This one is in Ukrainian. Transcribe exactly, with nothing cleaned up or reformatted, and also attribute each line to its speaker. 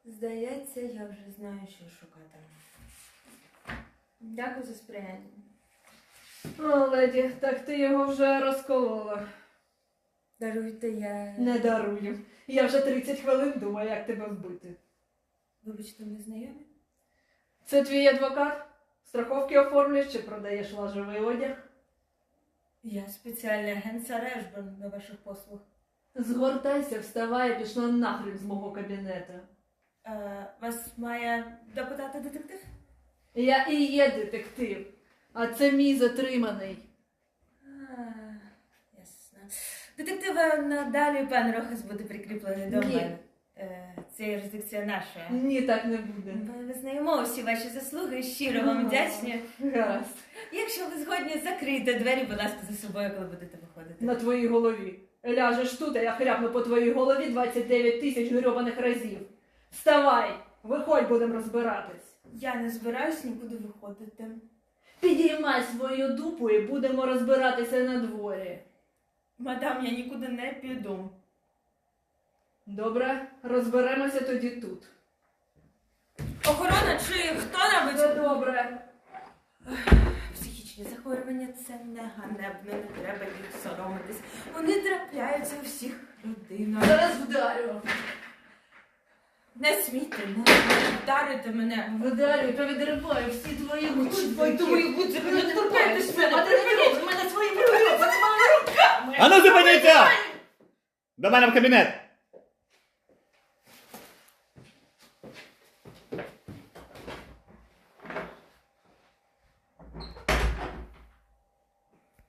Speaker 1: Здається, я вже знаю, що шукати. Дякую за сприяння.
Speaker 2: О, леді, так ти його вже розколола.
Speaker 1: Даруйте, я...
Speaker 2: Не дарую. Я вже тридцять хвилин думаю, як тебе вбити.
Speaker 1: Вибачте, ми знайомі?
Speaker 2: Це твій адвокат? Страховки оформлюєш чи продаєш лажевий одяг?
Speaker 1: Я спеціальний агент Сара Ешберн на ваших послуг.
Speaker 2: Згортайся, вставай і пішла нахрен з мого кабінету.
Speaker 1: Е, вас має допитати детектив?
Speaker 2: Я і є детектив, а це мій затриманий.
Speaker 1: А, ясно. Детектива надалі пан Рохас буде прикріплений до
Speaker 2: Ні.
Speaker 1: мене. Е, це юрисдикція наша.
Speaker 2: Ні, так не буде.
Speaker 1: Ми визнаємо всі ваші заслуги, щиро вам вдячні.
Speaker 2: Гаразд.
Speaker 1: Якщо ви згодні, закрийте двері, будь ласка, за собою, коли будете виходити.
Speaker 2: На твоїй голові. Ляжеш тут, а я хряпну по твоїй голові двадцять дев'ять тисяч грьобаних разів. Вставай, виходь, будемо розбиратись.
Speaker 1: Я не збираюсь нікуди виходити.
Speaker 2: Підіймай свою дупу і будемо розбиратися на дворі.
Speaker 1: Мадам, я нікуди не піду.
Speaker 2: Добре, розберемося тоді тут.
Speaker 1: Охорона чи хто-небудь?
Speaker 2: Все добре.
Speaker 1: Психічні захворювання – це не ганебно, не треба їх соромитись. Вони трапляються у всіх родинах.
Speaker 2: Зараз вдарю.
Speaker 1: Не смійте, не вдарите мене.
Speaker 2: Вдарю, та відриваю всі твої гудзики.
Speaker 1: Твої гудзики, не торкайтесь мене,
Speaker 2: А ти
Speaker 1: припиніть мене своїми руками.
Speaker 3: Ану, зупиніться! До мене в кабінет!